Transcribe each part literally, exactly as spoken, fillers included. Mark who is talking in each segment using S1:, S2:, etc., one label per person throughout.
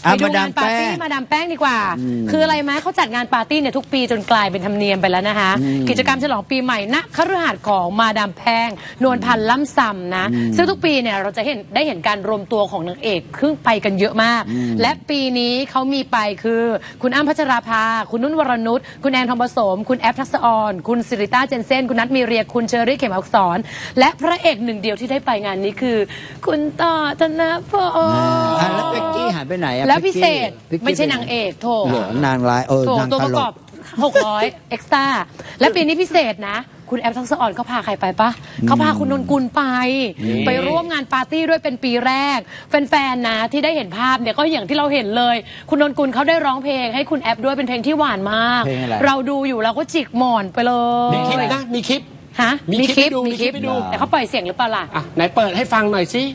S1: ไปดูงานปาร์ตี้มาดามแป้งดีกว่าคืออะไรไหมเขาจัดงานปาร์ตี้เนี่ยทุกปีจนกลายเป็นธรรมเนียมไปแล้วนะคะกิจกรรมฉลองปีใหม่ณคฤหาสน์ของมาดามแป้งนวลพันธ์ล่ำซำนะซึ่งทุกปีเนี่ยเราจะเห็นได้เห็นการรวมตัวของนางเอกครึ่งไปกันเยอะมากและปีนี้เขามีไปคือคุณอ้ำพัชราภาคุณนุ่นวรนุชคุณแอนทองผสมคุณแอฟทักษออนคุณสิริต้าเจนเซ่นคุณนัทมีเรียคุณเชอรี่เข็มอักษรและพระเอกหนึ่งเดียวที่ได้ไปงานนี้คือคุณต่อธนพล
S2: แล้วเป็กกี้หายไปไหนอะ
S1: แล้วพิเศษไม่ใช่นางเอกโถ
S2: นางร้ายเออนางตลก
S1: หกร้อยเอ็กซ์ต้าและปีนี้พิเศษนะคุณแอฟทักษออนเขาพาใครไปปะเขาพาคุณนนกุลไปไปร่วมงานปาร์ตี้ด้วยเป็นปีแรกแฟนๆนะที่ได้เห็นภาพเนี่ยก็อย่างที่เราเห็นเลยคุณนนกุลเขาได้ร้องเพลงให้คุณแอฟด้วยเป็นเพลงที่หวานมากเราดูอยู่เราก็จิกหมอนไปเลย
S3: มีคลิปนะมีคลิป
S1: ฮะ
S3: มีคลิปมีคลิป
S1: ดูแต่เขาปล่อยเสียงหรือเปล่าล่ะ
S3: อ่ะไหนเปิดให้ฟังหน่อยสิ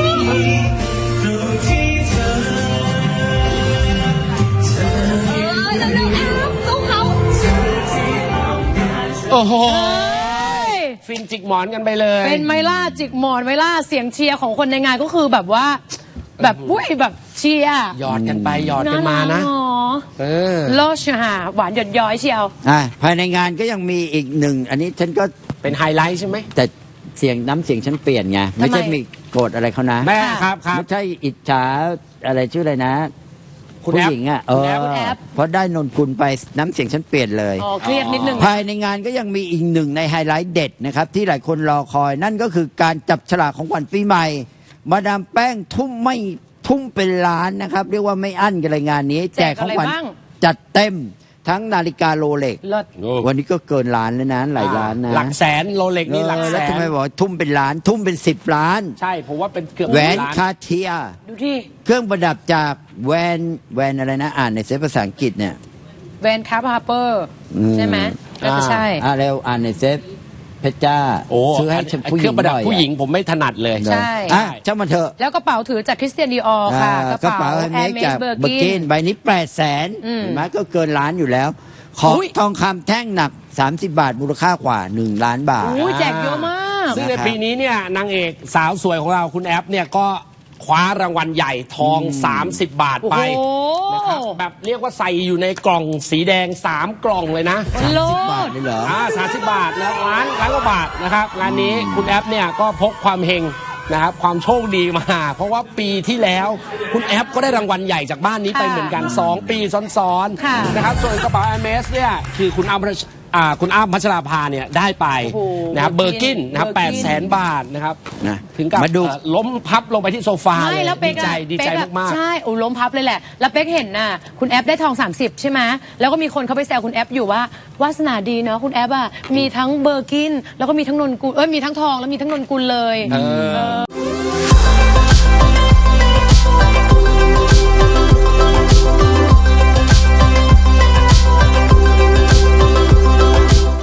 S3: โอ้โหฟินจิกหมอนกันไปเลย
S1: เป็นไมล่าจิกหมอนไมล่าเสียงเชียร์ของคนในงานก็คือแบบว่าแบบอุ้ยแบบเชียร์
S3: หยอดกันไปหยอดกันมานะ
S1: เออโลชฮะหวานหยดย้อยเชียว
S2: อ่าภายในงานก็ยังมีอีกหนึ่งอันนี้ฉันก็
S3: เป็นไฮไลท์ใช่ไหม
S2: แต่เสียงน้ำเสียงฉันเปลี่ยนไงไม่ใช่มีโกรธอะไรเขานะ
S3: แม่ครับครับ
S2: ไม่ใช่อิจฉาอะไรชื่ออะไรนะผู้หญิงอ่ะเออเพราะได้นนกุลไปน้ำเสียงฉันเปลี่ยนเลย
S1: อ๋อเครียดนิดนึง
S2: ภายในงานก็ยังมีอีกหนึ่งในไฮไลท์เด็ดนะครับที่หลายคนรอคอยนั่นก็คือการจับฉลากของขวัญปีใหม่มาดามแป้งทุ่มไม่ทุ่มเป็นล้านนะครับเรียกว่าไม่อั้นกันเลยงานนี้แจกของขวัญจัดเต็มทั้งนาฬิกาโรเล็กวันนี้ก็เกินล้านแล้วนะหลายล้านนะ
S3: หลักแสนโรเล็กนี่หลักแสน
S2: แล้วทำไมบอกทุ่มเป็นล้านทุ่มเป็นสิบล้าน
S3: ใช่ผมว่าเป็นเกือบ
S2: แหวนคาเทีย
S1: ดูที่
S2: เครื่องประดับจากแวนแวนอะไรนะอ่านในเซฟภาษาอังกฤษเนี่ย
S1: แวนคาร์ฮาร์เปอร์ใช่ไหมไม่ใช่
S2: อ่าเร็วอ่านในเซฟเพชรจ้าซื้อให้ผู้หญิง
S3: ประดับผู้หญิงผมไม่ถนัดเลย
S1: ใช่
S2: เจ้ามาเถอะ
S1: แล้วกระเป๋าถือจากคริสเตียนดีออร์ค่ะ
S2: กระเป๋าแอร์เมสเบอร์กินใบนี้แปดแสนเห็นไหมก็เกินล้านอยู่แล้วของทองคำแท่งหนักสามสิบบาทมูลค่ากว่าหนึ่งล้านบาท
S1: แจกเยอะมาก
S3: ซึ่งในปีนี้เนี่ยนางเอกสาวสวยของเราคุณแอฟเนี่ยก็คว้ารางวัลใหญ่ทองสามสิบบาทไปนะครับแบบเรียกว่าใส่อยู่ในกล่องสีแดงสามกล่องเลยนะ
S2: สามสิบบาทเลยเหรอ
S3: อ่าสามสิบบาทนะล้านล้านกว่าบาทนะครับงานนี้คุณแอฟเนี่ยก็พกความเฮงนะครับความโชคดีมาเพราะว่าปีที่แล้วคุณแอฟก็ได้รางวัลใหญ่จากบ้านนี้ไปเหมือนกันสองปีซ้อนๆนะครับส่วนกระเป๋า Hermes เนี่ยคือคุณอ้ำคุณอ้ำพัชราภาเนี่ยได้ไปนะครับเบอร์กินนะครับแปดแสนบาทนะครับถึงกับล้มพับลงไปที่โซฟาเลยดีใจดีใจมาก
S1: ๆใช่โอ้ล้มพับเลยแหละแล้วเป๊กเห็นน่ะคุณแอฟได้ทองสามสิบใช่ไหมแล้วก็มีคนเขาไปแซวคุณแอฟอยู่ว่าวาสนาดีเนาะคุณแอฟอ่ะมีทั้งเบอร์กินแล้วก็มีทั้งนนกุลเอ้ยมีทั้งทองแล้วมีทั้งนนกุลเลย